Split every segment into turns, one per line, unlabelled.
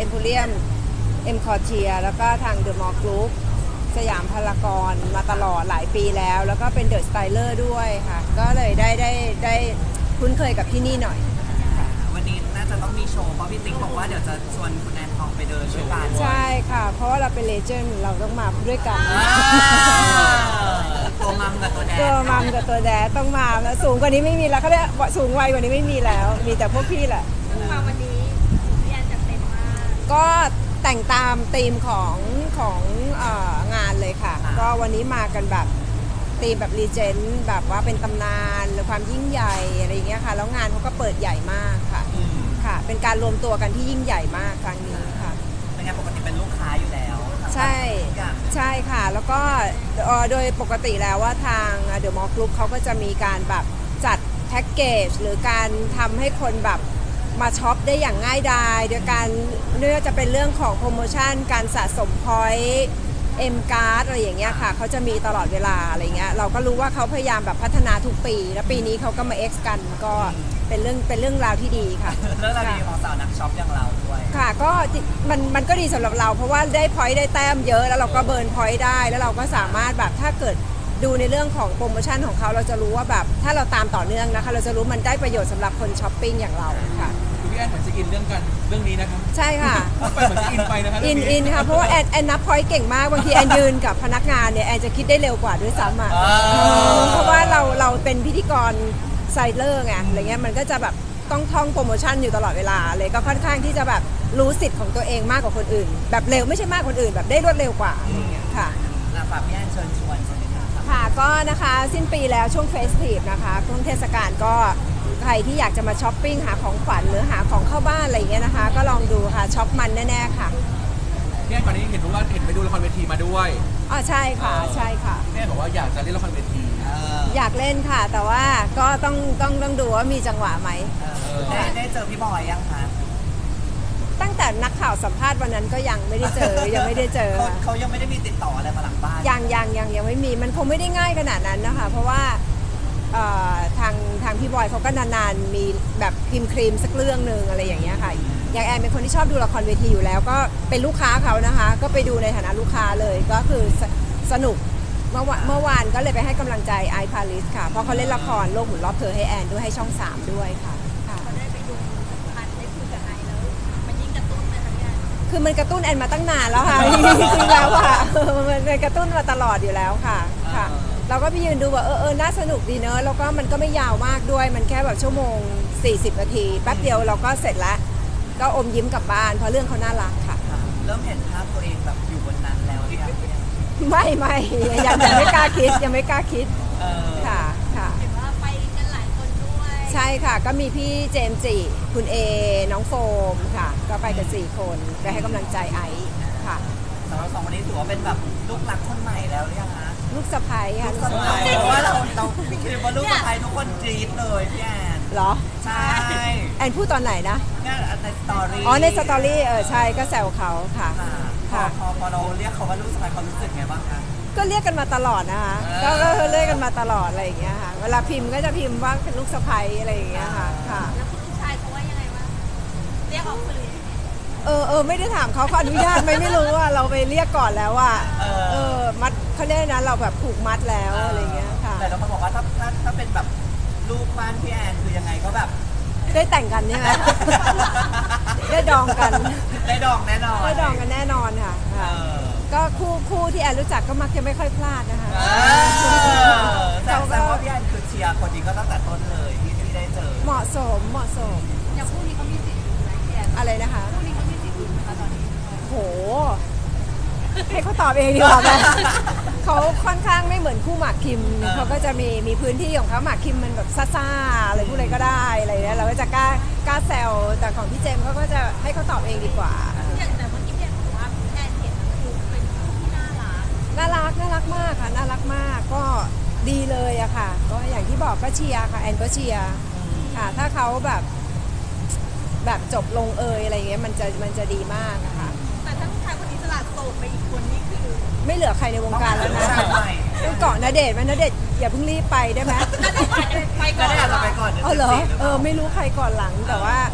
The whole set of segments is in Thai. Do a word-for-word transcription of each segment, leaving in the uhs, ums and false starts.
อ็มโพเรียมเอ็มคอร์เทียแล้วก็ทางเดอะมอลล์กรุ๊ปสยามพารากอนมาตลอดหลายปีแล้วแล้วก็เป็นเดอะสไตเลอร์ด้วยค่ะก็เลยได้ได้ได้คุ้นเคยกับที่นี่หน่อย
วันนี้น่าจะต้องมีโชว์เพราะพี่ติ๊กบอกว่าเดี๋ยวจะชวนคุณแอนทองไปเดินด้วยกัน
ใช่ค่ะเพราะว่าเราเป็นเลเจนด์เราต้องมาด้วยกัน
ตัวมัมกับตัวแดด
ตัวมัมกับตัวแดดต้องมาแล้วสูงกว่านี้ไม่มีแล้วเขาเรียกสูงวัยกว่านี้ไม่มีแล้วมีแต่พวกพี่แหละ
มาวันนี้พี่แอนจัดเต็มมาก
ก็แต่งตามธีมของของเอ่องานเลยค่ะก็วันนี้มากันแบบธีมแบบรีเจนต์แบบว่าเป็นตำนานหรือความยิ่งใหญ่อะไรอย่างเงี้ยค่ะแล้วงานเขาก็เปิดใหญ่มากค่ะค่ะเป็นการรวมตัวกันที่ยิ่งใหญ่มากครั้งนี้ค่ะ
เป็นไงปกติเป็นลูกค้าอยู่แล้ว
ใช่ใช่ค่ะแล้วก็โดยปกติแล้วว่าทางเดอะมอลล์กรุ๊ปเขาก็จะมีการแบบจัดแพ็กเกจหรือการทำให้คนแบบมาช็อปได้อย่างง่ายดายโดยการไม่ว่าจะเป็นเรื่องของโปรโมชั่นการสะสมพอยต์เอ็มการ์ดอะไรอย่างเงี้ยค่ะเขาจะมีตลอดเวลาอะไรเงี้ยเราก็รู้ว่าเขาพยายามแบบพัฒนาทุกปีแล้วปีนี้เขาก็มา X กันก็เป็นเรื่องเป็นเรื่องราวที่ดีค่ะ
เรื่องราวดีของสาวนักช็อปอย่างเราด้วย
ค่ะก็มันมันก็ดีสำหรับเราเพราะว่าได้พอยต์ได้แต้มเยอะแล้วเราก็เบิร์นพอยต์ได้แล้วเราก็สามารถแบบถ้าเกิดดูในเรื่องของโปรโมชั่นของเขาเราจะรู้ว่าแบบถ้าเราตามต่อเนื่องนะคะเราจะรู้มันได้ประโยชน์สำหรับคนช้อปปิ้งอย่างเราค่ะ
พี่แอนเหมือนจะอินเรื่องกันเรื่องนี้นะครับ
ใช่ค่ะ
ไปเหมือนจะอินไปนะครับ
อินอินค่ะเพราะว่าแอนแอนนับพอยต์เก่งมากบางทีแอนยืนกับพนักงานเนี่ยแอนจะคิดได้เร็วกว่าด้วยซ้ำอ่ะเพราะว่าเราเราเป็นพิธีกรไซเลอร์ไงอะไรเงี้ยมันก็จะแบบต้องท่องโปรโมชั่นอยู่ตลอดเวลาเลยก็ค่อนข้างที่จะแบบรู้สิทธิ์ของตัวเองมากกว่าคนอื่นแบบเร็วไม่ใช่มากคนอื่นแบบได้รวดเร็วกว่าอะไรเงี้ยค่ะ
ฝากพี่แอนเชิญชวนใช่ไหมคะ
ค่ะก็นะคะสิ้นปีแล้วช่วงเฟสทีฟนะคะช่วงเทศกาลก็ใครที่อยากจะมาช้อปปิ้งหาของขวัญหรือหาของเข้าบ้านอะไรอย่างเงี้ยนะคะก็ลองดูค่ะช็อปมันแน่ๆค่ะ
พี่แอนก่อนนี้เห็นว่าเห็นไปดูละครเวทีมาด้วย
อ๋อใช่ค่ะใช่ค่ะ
พี่แอนบอกว่าอยากจะเล่นละครเวที
อยากเล่นค่ะแต่ว่าก็ต้องต้องต้องดูว่ามีจังหวะไหม
ได้ได้เจอพี่บอยยังคะ
ตั้งแต่นักข่าวสัมภาษณ์วันนั้นก็ยังไม่ได้เจอยังไม่ได้เจอ
เขายังไม่ได้มีติดต่ออะไรมาหลังบ้าน
ยังยังยังยังไม่มีมันคงไม่ได้ง่ายขนาดนั้นนะคะเพราะว่าทางทางพี่บอยเขาก็นานๆมีแบบพิมพ์ครีมสักเรื่องหนึ่งอะไรอย่างเงี้ยค่ะอย่างแอนเป็นคนที่ชอบดูละครเวทีอยู่แล้วก็เป็นลูกค้าเขานะคะก็ไปดูในฐานะลูกค้าเลยก็คือสนุกเมื่อวานเมื่อวานก็เลยไปให้กำลังใจไอพาริสค่ะเพราะเขาเล่นละครโลกหมุนรอบเธอให้แอนด้วยให้ช่องสามด้วยค่ะ
เขาได้ไปดูพันได้คุยกับไอแล้วมันยิ่งกระตุ้นเลยค่ะพี่แอน
คือมันกระตุ้นแอนมาตั้งนานแล้วค่ะจริงๆแล้วค่ะมันกระตุ้นมาตลอดอยู่แล้วค่ะค่ะเราก็ไปยืนดูว่าเออเออน่าสนุกดีเนอะแล้วก็มันก็ไม่ยาวมากด้วยมันแค่แบบชั่วโมงสี่สิบนาทีแป๊บเดียวเราก็เสร็จแล้วก็อมยิ้มกลับบ้านเพราะเรื่องเขาน่ารักค่ะ
เริ่มเห็นภาพตัวเองแบบอยู่บนนั้นแล้วที่
ไม่ไม่ยังยังไม่กล้าคิดยังไม่กล้าคิดค่ะค่ะ
เห็นว่าไปกันหลายคนด้วย
ใช่ค่ะก็มีพี่เจมส์จิคุณเอน้องโฟมค่ะก็ไปกันสี่คนไปให้กำลังใจไอซ์ค่ะ
สำหรับสองคนนี้ถือว่าเป็นแบบลูกรักคนใหม่แล้วหรือยังคะ
ลูกสะใภ้ค่ะ
ลูกสะใภ้เพราะว่าเราเราพี่คิดว่าลูกสะใภ้ทุกคนกรี๊ดเลยพี่แอน
เหรอ
ใช่
แอนพูดตอนไหนนะ
เนี่ยในสตอรี่
อ๋อในสตอรี่เออใช่ก็แซวเขาค่ะ
ค่ะพอพอเราเรียกเขาว่าลูกสะใภ้เขารู้สึกไงบ้างคะ
ก็เรียกกันมาตลอดนะคะก็ก็เรียกกันมาตลอดอะไรอย่างเงี้ยค่ะเวลาพิมพ์ก็จะพิมพ์ว่าเป็นลูกสะใภ้อะไรอย่างเงี้ยค่ะค่ะ
แล้วคุณลูกชายเขาว่ายังไงบ้างเรียกออกคือ
เออเออไม่ได้ถามเขาเขาอนุญาตไหมไม่รู้ว่าเราไปเรียกก่อนแล้วว่าเออมัดเขาเรียกนะเราแบบผูกมัดแล้วอะไรเงี้ยค่ะ
แต่เราคนบอกว่าถ้าถ้าถ้าเป็นแบบลูกบ้านพี่แอนคือยังไงก็แบบ
ได้แต่งกันใช่ไหมได้ดองกัน
ได้ดองแน่นอน
ได้ดองกันแน่นอนค่ะก็คู่คู่ที่แอนรู้จักก็มักจะไม่ค่อยพลาดนะคะ
แต่ว่าพี่แอนคือเชียร์คนนี้ก็ตั้งแต่ต้นเลยที่ที่ได้เจอ
เหมาะสมเหมาะสม
อย่างคู่นี้เขามีสิทธิ์ไหมพี่แอน
อะไรนะคะ
คู่นี้เขามีสิทธิ์ไหมคะตอนนี้
โหให้เขาตอบเองดีกว่าไหมเขาค่อนข้างไม่เหมือนคู่หมากคิมเขาก็จะมีมีพื้นที่ของเขาหมากคิมมันแบบซ่าๆอะไรพูดอะไรก็ได้อะไรเงี้ยเราก็จะกล้ากล้าแซวแต่ของพี่เจมเขาก็จะให้เขาตอบเองดีกว่า
อย่างแต่เมื่อกี้พี่แอนบอกว่าแอนเห็นคือเป็นคู่ที่น่ารัก
น่ารักน่ารักมากค่ะน่ารักมากก็ดีเลยอะค่ะก็อย่างที่บอกก็เชียร์ค่ะแอนก็เชียร์ค่ะถ้าเขาแบบแบบจบลงเอยอะไรเงี้ยมันจะมันจะดีมากนะคะ
แต่ถ้าผู้ชายคนนี้สลัดโสดไปอีกคนนี่คือ
ไม่เหลือใครในวงการแล้วนะต้องเกาะณเดชน์ไหมณเดชน์อย่าเพิ่งรีบไปได้ไหม
ณเดชน์ไปก่อน
ไปก่อน
เออเหรอเออไม่รู้ใครก่อนหลังแต่ว่า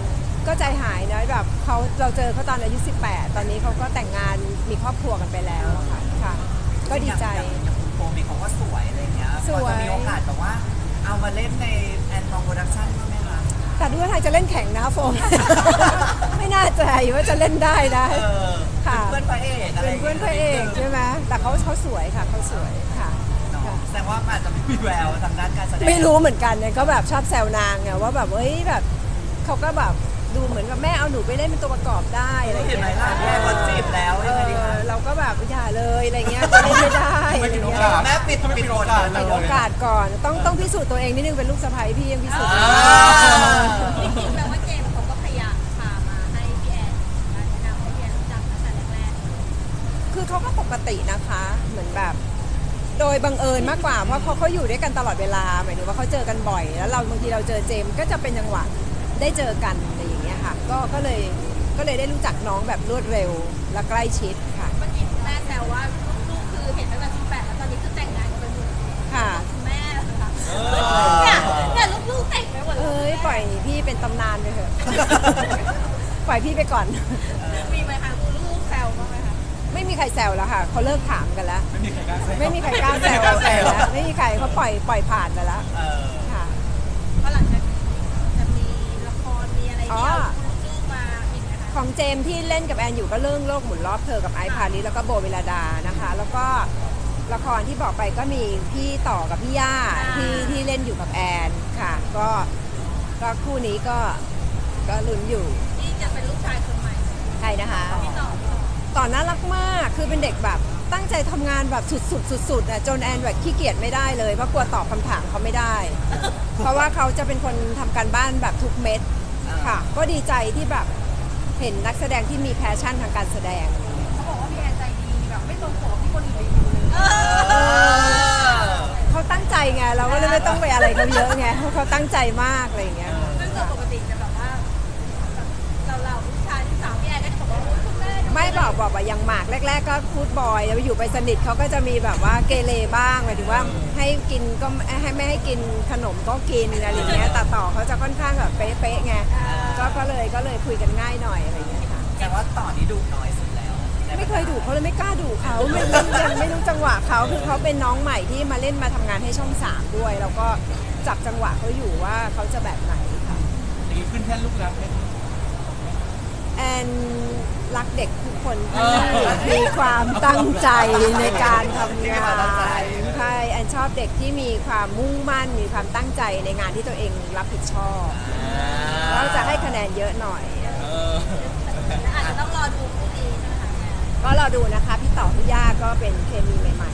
ก็ใจหายนะแบบเขาเราเจอเขาตอนอายุสิบแปดตอนนี้เขาก็แต่งงานมีครอบครัวกันไปแล้วอะค่ะค่ะ ก็ดีใจ
อย่างอย่างคุณโฟมีเขาก็สวยอะไรเงี้ย
สวย
พอจะมีโอกาสแบบว่า เอามาเล่นในแอนทองโปรดักชั่นบ้างไหมคะ
แต่ดูว่าไทยจะเล่นแข่งนะโฟม ไม่น่าใจว่าจะเล่นได้นะ
เออ
ค่ะ
เป็นเพื่อนพระเอกอะไร
เป็นเพื่อนพระเอกใช่ไหมแต่เขาเขาสวยค่ะเขาสวยค่ะ
เนาะแสดงว่ามันอาจจะไม่มีแววทางด้านการแสดง
ไม่รู้เหมือนกันเนี่ยก็แบบชอบแซวนางไงว่าแบบเฮ้ยแบบเขาก็แบบดูเหมือนกับแม่เอาหนูไปเล่นเป็นตัวประกอบได้อะไรอย่าง
เห็น
เงี้
ไหม
ย
ล่ะแม่คนจีบแล้ว
เอ
ยังไงดี
อ
คะ
เราก็แบบอย่าเลยอะไรเงี้ยจะเล่นไม่ได้
ทำไม
อะไร
ปิดโอ
เงี้ย
กาส
แม่ปิด
ทำไม
ปิ
ปิ
ด
ด
โอ
โอก
า
กา
ส
ส
ปิดโอกาสก่อนต้องต้องพิสูจน์ตัวเองนิดนึงเป็นลูกสะใภ้พี่ยังพิสูจน์ไม่
อ่า
ได้
จริงๆแปลว่าเจมส์เขาก็พยายามพามาให้พี่แอนมาแนะนำให้พี่แอนรู้จักตั้งแต่แรก
คือเขาก็ปกตินะคะ เหมือนแบบ โดยบังเอิญมากกว่า เพราะเขาเขาอยู่ด้วยกันตลอดเวลา หมายถึงว่าเขาเจอกันบ่อย แล้วเราบางทีเราเจอเจมส์ก็จะเป็นจังหวะได้เจอกันอะไรอย่างเงี้ยค่ะ ก็ก็เลยก็เลยได้รู้จักน้องแบบรวดเร็วและใกล้ชิดค่ะ
ๆเมื่อกี้คุณแม่แซวว่าลูกๆคือเห็นตั้งแต่สิบแปดแล้วตอนนี้คือแต่งงานกันไปหมด
ค่ะ
คุณแม่เหรอคะเนี่ยเนี่ยลูกๆแต่งไปหมดเล
เอ้ย
ย
ปล่อยพี่เป็นตำนานไปเถอะ ปล่อยพี่ไปก่อน
มีไหมคะลูกๆแซวบ้างไหมคะ
ไม่มีใครแซวแล้วค่ะเขาเลิกถามกันแล้ว
ไม่มีใครกล้าแซว
ไม่มีใครกล้าแซว
ไม่มีใครกล้าแซว
แล้วไม่มีใครเขาปล่อยปล่อยผ่านไปแล้ว
เออ
ค่ะ
เพราะหลังจากนี้จะมีละครมีอะไร
อ๋อ
ที่เอาลูกๆมาอีกไหมคะ
ของเจมส์ที่เล่นกับแอนอยู่ก็เรื่องโลกหมุนรอบเธอกับไอซ์พาริสแล้วก็โบเวลาดานะคะ แล้วก็ละครที่บอกไปก็มีพี่ต่อกับพี่ย่าที่ที่เล่นอยู่กับแอนค่ะ ก็ก็คู่นี้ก็ก็ลุ้นอยู่
ที่จะเป็นลูกชายคนใหม่
ใครนะคะ
พี่ต่อพี่ต่อ
ต่อน่ารักมาก คือเป็นเด็กแบบตั้งใจทำงานแบบสุดๆสุดๆอ่ะจนแอนแบบขี้เกียจไม่ได้เลยเพราะกลัวตอบคำถามเขาไม่ได้ เพราะว่าเขาจะเป็นคนทำการบ้านแบบทุกเม็ดค่ะ ก็ดีใจที่แบบเห็นนักแสดงที่มีแพชชั่นทางการแสดง
เขาบอกว่าพี่แอนใจดีแบบไม่ตรงปกที่คนอื่นรีวิวเลย
เออ
เขาตั้งใจไงเราก็เลยไม่ต้องไปอะไรเขาเยอะไงเพราะเขาตั้งใจมากอะไรอย่างเงี้ย
ซึ่งโดยปกติจะแบบว่าแบบเราเราๆผู้ชายที่สาวพี่แอนก็จะบอกว่าโอ๊ยคุณแม่เดี๋ยว
ไม่บอกบอกว่ายังหมากแรก ๆ ก็พูดบอยแล้วอยู่ไปสนิทเขาก็จะมีแบบว่าเกเรบ้างหมายถึงว่าให้กินก็ให้ไม่ให้กินขนมก็กินอะไรอย่างเงี้ยแต่ต่อเขาจะค่อนข้างแบบเป๊ะๆไงก็ก็เลยก็เลยคุยกันง่ายหน่อยอะไรอย่างเงี้ยค่ะ
แต่ว่าต่อนี้ดุน้อยสุดแล้ว
ไม่เคยดุเขาเลยไม่กล้าดุเขาไม่ไม่ยังไม่รู้จังหวะเขาคือเขาเป็นน้องใหม่ที่มาเล่นมาทำงานให้ช่องสามด้วย แล้วก็จับจังหวะเขาอยู่ว่าเขาจะแบบไหนค่ะ
อย่างนี้ขึ้นแท่นลูกรักไหม
แอนรักเด็กทุกคน
เออ
มีความตั้งใจในการทำงานใช่แอนชอบเด็กที่มีความมุ่งมั่น มีความตั้งใจในงานที่ตัวเองรับผิดชอบแล้วจะให้คะแนนเยอะหน่อย
เออ
อาจจะต้องรอดูคู่นี้ใช่ไหมคะ
ก็รอดูนะคะ พี่ต่อพี่ย่าก็เป็นเคมีใหม่